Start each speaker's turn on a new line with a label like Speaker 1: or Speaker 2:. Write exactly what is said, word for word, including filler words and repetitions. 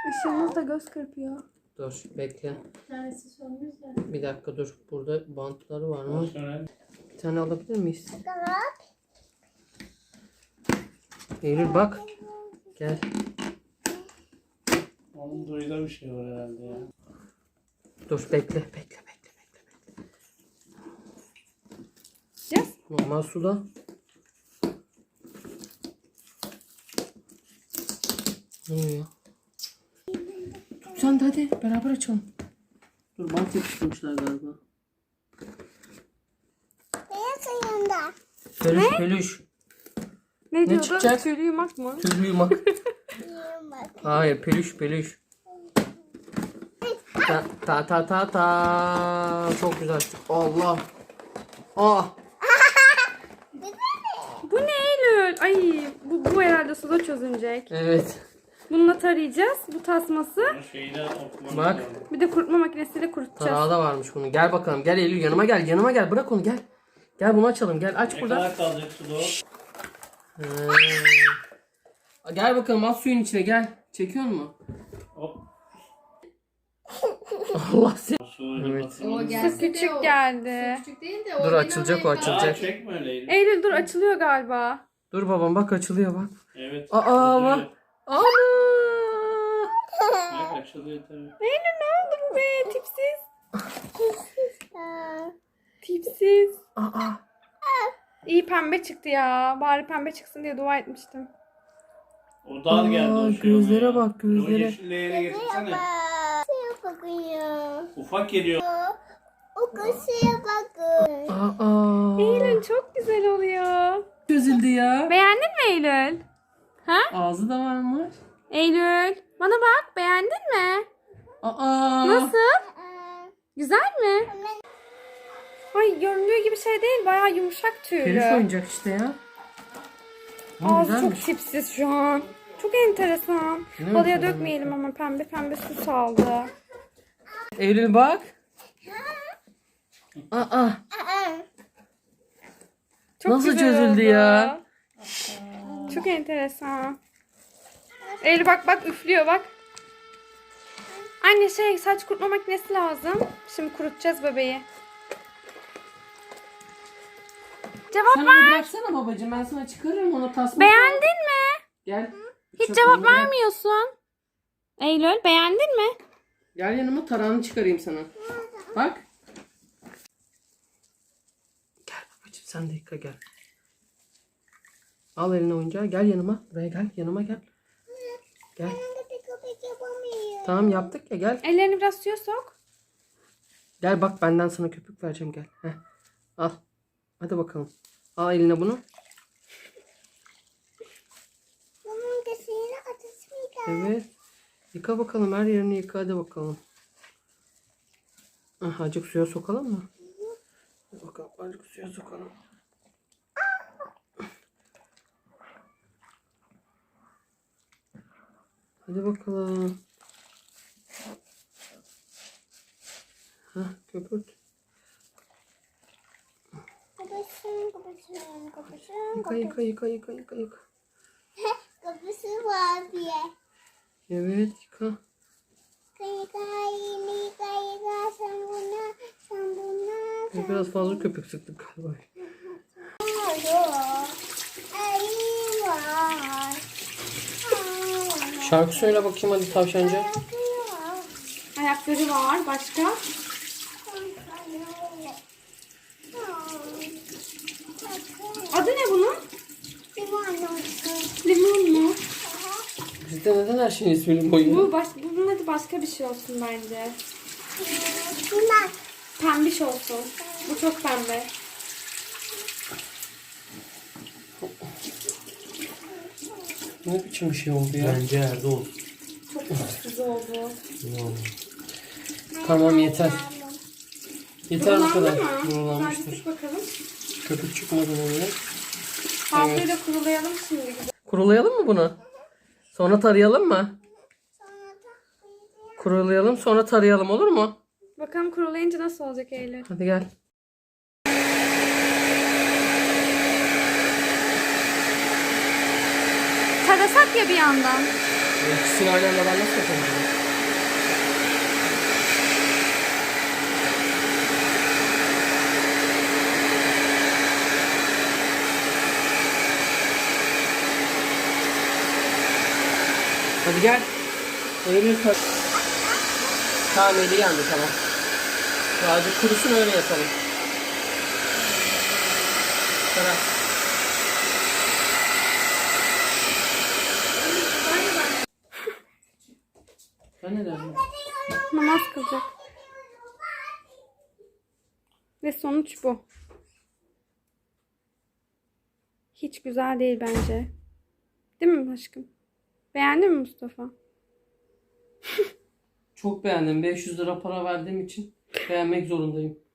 Speaker 1: Işığımız da göz kırpıyor.
Speaker 2: Dur bekle.
Speaker 1: Bir tanesi sönmüş de.
Speaker 2: Bir dakika dur. Burada bantları var mı? Bir tane alabilir miyiz? Eylül bak. Gel.
Speaker 3: Onun duyda bir şey var herhalde ya.
Speaker 2: Dur bekle bekle bekle bekle.
Speaker 1: Yes.
Speaker 2: Normal suda. Ne oluyor? Tut sen de hadi beraber açalım. Dur bant yapıştırmışlar galiba. Peluş peluş.
Speaker 1: Ne,
Speaker 2: Ne
Speaker 1: diyordu?
Speaker 2: çıkacak?
Speaker 1: Tüylü yumak mı?
Speaker 2: Tüylü yumak. Hayır peluş peluş. Ta ta ta ta ta. Çok güzel. Allah. Ah.
Speaker 1: Bu ne Eylül? Ay bu, bu herhalde suda çözünecek.
Speaker 2: Evet.
Speaker 1: Bununla tarayacağız. Bu tasması.
Speaker 3: Şeyden okumak
Speaker 2: Bak.
Speaker 3: lazım.
Speaker 1: Bir de kurutma makinesiyle kurutacağız.
Speaker 2: Tarağı da varmış bunun. Gel bakalım. Gel Eylül yanıma gel. Yanıma gel. Bırak onu gel. Gel bunu açalım. Gel aç
Speaker 3: Ne
Speaker 2: burada.
Speaker 3: kadar kalacak suda o?
Speaker 2: Ee, Gel bakalım at suyun içine gel. Çekiyor mu?
Speaker 3: Hop.
Speaker 2: Allah seni.
Speaker 3: Su
Speaker 2: Evet.
Speaker 3: batırmadı.
Speaker 1: Su küçük geldi.
Speaker 4: Küçük değil de
Speaker 2: Dur açılacak o
Speaker 3: Aa,
Speaker 2: açılacak.
Speaker 3: çekme öyleydi.
Speaker 1: Eylül dur açılıyor galiba.
Speaker 2: Dur babam bak açılıyor bak.
Speaker 3: Evet.
Speaker 2: Aa
Speaker 3: açılıyor.
Speaker 2: bak. Ana.
Speaker 3: Bak açılıyor tabii.
Speaker 1: Eylül ne oldu bu be? Tipsiz. Tipsiz.
Speaker 2: Aa.
Speaker 1: İyi pembe çıktı ya. Bari pembe çıksın diye dua etmiştim.
Speaker 3: O dar geldi
Speaker 2: Aa,
Speaker 3: o şey
Speaker 2: gözlere
Speaker 3: ona ya.
Speaker 2: bak, gözlere.
Speaker 3: O yeşil leğene getirsene. Ufak geliyor.
Speaker 2: Aa.
Speaker 1: Eylül çok güzel oluyor.
Speaker 2: Çözüldü ya.
Speaker 1: Beğendin mi Eylül? Ha?
Speaker 2: Ağzı da varmış.
Speaker 1: Eylül bana bak beğendin mi?
Speaker 2: Aa.
Speaker 1: Nasıl? Güzel mi? Ay göründüğü gibi şey değil, bayağı yumuşak
Speaker 2: Peluş
Speaker 1: tüylü.
Speaker 2: oyuncak işte ya. Aa,
Speaker 1: Ağzı çok
Speaker 2: güzelmiş.
Speaker 1: tipsiz şu an. Çok enteresan.
Speaker 2: Ne
Speaker 1: Halıya
Speaker 2: yapalım?
Speaker 1: dökmeyelim ama pembe pembe su saldı.
Speaker 2: Eylül bak. Aa.
Speaker 1: Çok
Speaker 2: Nasıl
Speaker 1: güzel
Speaker 2: çözüldü
Speaker 1: oldu.
Speaker 2: ya?
Speaker 1: Çok enteresan. Eylül bak bak üflüyor bak. Anne şey saç kurutma makinesi lazım. Şimdi kurutacağız bebeği. Cevap
Speaker 2: Sen
Speaker 1: ver.
Speaker 2: onu bıraksana babacığım. Ben sana çıkarırım onu tasma.
Speaker 1: Beğendin mi?
Speaker 2: Gel.
Speaker 1: Hiç
Speaker 2: Çöp
Speaker 1: cevap
Speaker 2: onu bırak.
Speaker 1: vermiyorsun. Eylül beğendin mi?
Speaker 2: Gel yanıma tarağını çıkarayım sana. Bak. Gel babacığım sen de yıka gel. Al eline oyuncağı gel yanıma. Buraya gel yanıma gel. Gel. Tamam yaptık ya gel.
Speaker 1: Ellerini biraz suya sok.
Speaker 2: Gel bak benden sana köpük vereceğim gel. Heh. Al. Hadi bakalım. Al eline bunu. Evet. Yıka bakalım her yerini yıka hadi bakalım. Ah, azıcık suya sokalım mı? Hadi bakalım azıcık suya sokalım. Hadi bakalım. Hah köpürt. Yıka yıka yıka yıka yıka yıka.
Speaker 5: Kapısı var diye.
Speaker 2: Evet yıka.
Speaker 5: Yıka yıka yıka yıka sen buna sen buna.
Speaker 2: Biraz fazla köpük sıktık galiba.
Speaker 5: Ayı var.
Speaker 2: Şarkı söyle bakayım hadi tavşancı.
Speaker 1: Ayakları var. Başka? Adı ne bunun? Limon mu?
Speaker 2: Bizde neden her şeyin ismini boyuyor?
Speaker 1: Bu baş, bunun adı başka bir şey olsun bence.
Speaker 5: Bunlar.
Speaker 1: Pembiş olsun. Bu çok pembe.
Speaker 2: Ne biçim bir şey oldu ya?
Speaker 3: Bence yerde olsun.
Speaker 1: Çok tipsiz oldu.
Speaker 2: Tamam yeter. Yeter bu kadar.
Speaker 1: Kurulandı mı? Sadece
Speaker 2: Kurulanmıştır.
Speaker 1: sık bakalım.
Speaker 2: Köpük çıkmadı böyle.
Speaker 1: Havluyu da kurulayalım şimdi. Güzel.
Speaker 2: Kurulayalım mı bunu? Sonra tarayalım mı? Kurulayalım sonra tarayalım olur mu?
Speaker 1: Bakalım kurulayınca nasıl olacak Eylül?
Speaker 2: Hadi gel.
Speaker 1: Tarasak ya bir yandan.
Speaker 2: İkisini aynı anda ben nasıl yapabilirim? Hadi gel. Eylül kar. Tamam eli yandı tamam. Birazcık kurusun öyle yapalım. Tamam. Ben ne derdim?
Speaker 1: Namaz kılacak. Ve sonuç bu. Hiç güzel değil bence. Değil mi aşkım? Beğendin mi Mustafa?
Speaker 2: Çok beğendim. beş yüz lira para verdiğim için beğenmek zorundayım.